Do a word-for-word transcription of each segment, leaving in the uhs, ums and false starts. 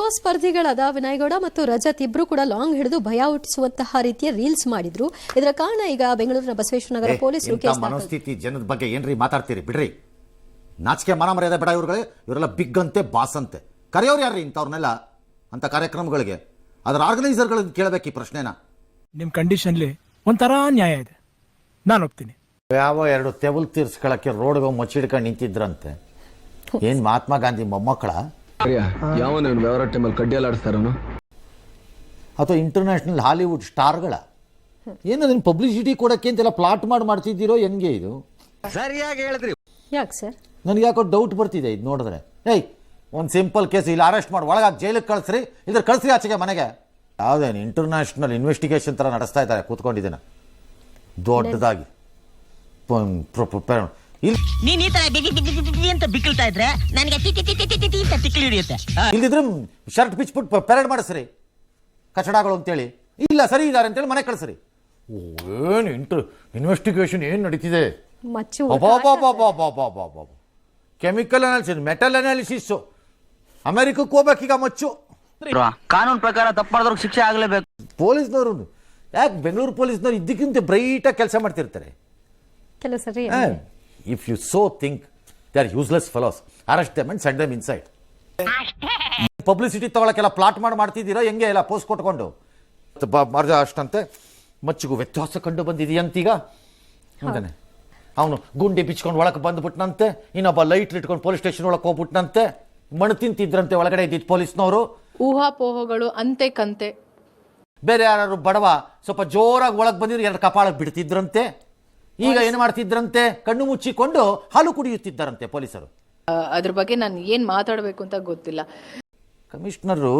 ಕೋ ಸ್ಪರ್ಧಿಗಳಾದ ವಿನಯ್ ಗೌಡ ಮತ್ತು ರಜತ್ ಇಬ್ರು ಕೂಡ ಲಾಂಗ್ ಹಿಡಿದು ಭಯ ಹುಟ್ಟಿಸುವಂತಹ ರೀತಿಯ ರೀಲ್ಸ್ ಮಾಡಿದ್ರು. ಇದರ ಕಾರಣ ಈಗ ಬೆಂಗಳೂರಿನ ಬಸವೇಶ್ವರ ನಗರ ಪೊಲೀಸರು ಕೇಸ್ ಮನಸ್ಥಿತಿ ಜನದ ಬಗ್ಗೆ ಏನ್ರಿ ಮಾತಾಡ್ತೀರಿ ಬಿಡ್ರಿ. ನಾಚಿಕೆ ಮಾನ ಮರ್ಯಾದೆ ಬೇಡ ಇವ್ರುಗಳೇ. ಇವರೆಲ್ಲ ಬಿಗ್ ಅಂತೆ ಬಾಸ್ ಅಂತೆ ಕರೆಯೋರು ಯಾರ್ರಿ ಇಂಥವ್ರನ್ನೆಲ್ಲ ಅಂತ ಕಾರ್ಯಕ್ರಮಗಳಿಗೆ? ಅದರ ಆರ್ಗನೈಸರ್ಗಳಿಗೆ ಕೇಳಬೇಕು ಈ ಪ್ರಶ್ನೆನ. ನಿಮ್ಮ ಕಂಡೀಷನ್ಲಿ ಒಂಥರ ನ್ಯಾಯ ಇದೆ, ನಾನು ಒಪ್ತೀನಿ. ಯಾವ ಎರಡು ತೆವಲ್ ತೀರ್ಸ್ಕೊಳಕ್ಕೆ ರೋಡ್ಗೆ ಮುಚ್ಚಿಡ್ಕೊಂಡು ನಿಂತಿದ್ರಂತೆ. ಏನ್ ಮಹಾತ್ಮ ಗಾಂಧಿ ಮೊಮ್ಮಕ್ಕಳ ಯಾವನ ವ್ಯವಹಾರ ಟೈಮಲ್ಲಿ ಕಡ್ಡಿಯಲ್ಲಾಡಿಸ್ತಾರನು ಅಥವಾ ಇಂಟರ್ನ್ಯಾಷನಲ್ ಹಾಲಿವುಡ್ ಸ್ಟಾರ್ಗಳ ಏನದನ್ನ ಪಬ್ಲಿಸಿಟಿ ಕೊಡಕ್ಕೆ ಅಂತೆಲ್ಲ ಪ್ಲಾಟ್ ಮಾಡಿ ಮಾಡ್ತಿದ್ದೀರೋ ಹೆಂಗೆ ಇದು? ಸರಿಯಾಗಿ ಹೇಳಿದ್ರಿ. ಯಾಕೆ ಸರ್? ನನಗೆ ಯಾಕೋ ಡೌಟ್ ಬರ್ತಿದೆ ಇದು ನೋಡಿದ್ರೆ. ಏಯ್ ಒಂದು ಸಿಂಪಲ್ ಕೇಸ್ ಇಲ್ಲಿ ಅರೆಸ್ಟ್ ಮಾಡಿ ಒಳಗಾಗಿ ಜೈಲಿಗೆ ಕಳಿಸ್ರಿ, ಇದ್ರ ಕಳಿಸ್ರಿ ಆಚೆಗೆ ಮನೆಗೆ. ಯಾವುದೇನು ಇಂಟರ್ನ್ಯಾಷನಲ್ ಇನ್ವೆಸ್ಟಿಗೇಷನ್ ಥರ ನಡೆಸ್ತಾ ಇದ್ದಾರೆ ಕೂತ್ಕೊಂಡಿದ್ದೇನೆ ದೊಡ್ಡದಾಗಿ. ನೀನ್ ಈ ತರ ಅಂತ ಬಿಕ್ಕಳ್ತಾ ಇದ್ರೆ ನನಗೆ ತಿಕ್ಲಿ ಹಿಡಿಯುತ್ತೆ. ಇಲ್ದಿದ್ರೆ ಶರ್ಟ್ ಬಿಚ್ಬಿಟ್ಟು ಪೆರೇಡ್ ಮಾಡಿಸ್ರಿ ಕಚಡಗಳು ಅಂತೇಳಿ. ಇಲ್ಲ ಸರಿ ಇದ್ದಾರೆ ಅಂತೇಳಿ ಮನೆ ಕಳಿಸ್ರಿ. ಏನು ಇಂಟರ್ ಇನ್ವೆಸ್ಟಿಗೇಷನ್ ಏನು ನಡೀತಿದೆ? ಕೆಮಿಕಲ್ ಅನಾಲಿಸಿಸ್, ಮೆಟಲ್ ಅನಾಲಿಸಿಸ್, ಅಮೆರಿಕಕ್ಕೆ ಹೋಗ್ಬೇಕೀಗ ಮಚ್ಚು. ಕಾನೂನು ಪ್ರಕಾರ ತಪ್ಪು ಮಾಡಿದವ್ರಿಗೆ ಶಿಕ್ಷೆ ಆಗಲೇಬೇಕು. ಪೊಲೀಸ್ನವರು ಯಾಕೆ ಬೆಂಗಳೂರು ಪೊಲೀಸ್ನವರು ಇದ್ದಕ್ಕಿಂತ ಬ್ರೈಟಾಗಿ ಕೆಲಸ ಮಾಡ್ತಿರ್ತಾರೆ. ಕೆಲವು ಸರಿ if you so think they are useless fellows, arrest them and send them inside. Publicity ತಗೊಳಕ್ಕೆಲ್ಲ ಪ್ಲಾಟ್ ಮಾಡಿ ಮಾಡ್ತಿದ್ದೀರಾ ಹೆಂಗೆ? ಎಲ್ಲ ಪೋಸ್ಟ್ ಕೊಟ್ಕೊಂಡು ಮಾರ್ಜ ಅಷ್ಟಂತೆ ಮಚ್ಚಿಗೂ ವ್ಯತ್ಯಾಸ ಕಂಡು ಬಂದಿದೆಯಂತೀಗ ಅಂತಾನೆ. ಅವನು ಗುಂಡಿ ಬಿಚ್ಕೊಂಡು ಒಳಗೆ ಬಂದ್ಬಿಟ್ನಂತೆ, ಇನ್ನೊಬ್ಬ ಲೈಟ್ ಇಟ್ಕೊಂಡು ಪೊಲೀಸ್ ಸ್ಟೇಷನ್ ಒಳಗೆ ಹೋಗ್ಬಿಟ್ನಂತೆ, ಮಣ್ಣು ತಿಂತಿದ್ರಂತೆ ಒಳಗಡೆ ಇದ್ದಿದ್ದು ಪೊಲೀಸ್ನವರು. ಊಹಾಪೋಹಗಳು ಅಂತೆ ಕಂತೆ. ಬೇರೆ ಯಾರು ಬಡವ ಸ್ವಲ್ಪ ಜೋರಾಗಿ ಒಳಗೆ ಬಂದಿದ್ರು ಎರಡು ಕಪಾಳಕ್ಕೆ ಬಿಡ್ತಿದ್ರಂತೆ. ಈಗ ಏನು ಮಾಡ್ತಿದ್ರಂತೆ? ಕಣ್ಣು ಮುಚ್ಚಿಕೊಂಡು ಹಾಲು ಕುಡಿಯುತ್ತಿದ್ದಾರಂತೆ ಪೊಲೀಸರು. ಅದ್ರ ಬಗ್ಗೆ ನಾನು ಏನ್ ಮಾತಾಡಬೇಕು ಅಂತ ಗೊತ್ತಿಲ್ಲ. ಕಮಿಷನರು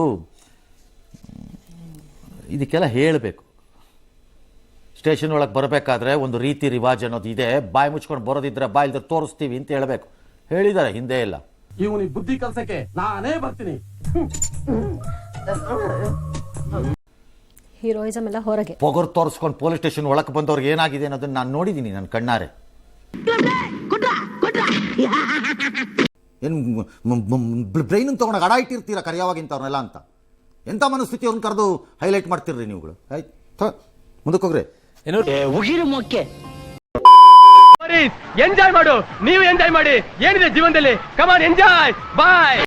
ಇದಕ್ಕೆಲ್ಲ ಹೇಳಬೇಕು. ಸ್ಟೇಷನ್ ಒಳಗೆ ಬರಬೇಕಾದ್ರೆ ಒಂದು ರೀತಿ ರಿವಾಜ್ ಅನ್ನೋದು ಇದೆ. ಬಾಯಿ ಮುಚ್ಕೊಂಡು ಬರೋದಿದ್ರೆ ಬಾಯಿ ಇಲ್ದ್ರೆ ತೋರಿಸ್ತೀವಿ ಅಂತ ಹೇಳಬೇಕು. ಹೇಳಿದ್ದಾರೆ ಹಿಂದೆ ಎಲ್ಲ. ಇವನಿಗೆ ಬುದ್ಧಿ ಕಲ್ಸಕ್ಕೆ ನಾನೇ ಬರ್ತೀನಿ. ಹೀರೋಯಿಸಮ್ ಎಲ್ಲ ಹೊರಗೆ ಪೊಗರು ತೋರಿಸ್ಕೊಂಡು ಪೊಲೀಸ್ ಸ್ಟೇಷನ್ ಒಳಗೆ ಬಂದವ್ರಿಗೆ ಏನಾಗಿದೆ ಅನ್ನೋದನ್ನ ನಾನು ನೋಡಿದ್ದೀನಿ ನನ್ನ ಕಣ್ಣಾರೆ. ಏನು ಬ್ರೈನ್ ತಗೊಂಡಾಗ ಅಡ ಇಟ್ಟಿರ್ತೀರ ಕರೆಯವಾಗಿಂತವ್ರನ್ನೆಲ್ಲ ಅಂತ. ಎಂಥ ಮನಸ್ಥಿತಿ ಅವ್ರನ್ನ ಕರೆದು ಹೈಲೈಟ್ ಮಾಡ್ತಿರ್ರಿ ನೀವುಗಳು. ಆಯ್ತು ಮುಂದಕ್ಕೆ ಹೋಗ್ರಿ. ಉಗಿರು ಮೊಕ್ಕೆ ಎಂಜಾಯ್ ಮಾಡು, ನೀವು ಎಂಜಾಯ್ ಮಾಡಿ. ಏನಿದೆ ಜೀವನದಲ್ಲಿ, ಕಮಾನ್ ಎಂಜಾಯ್, ಬಾಯ್.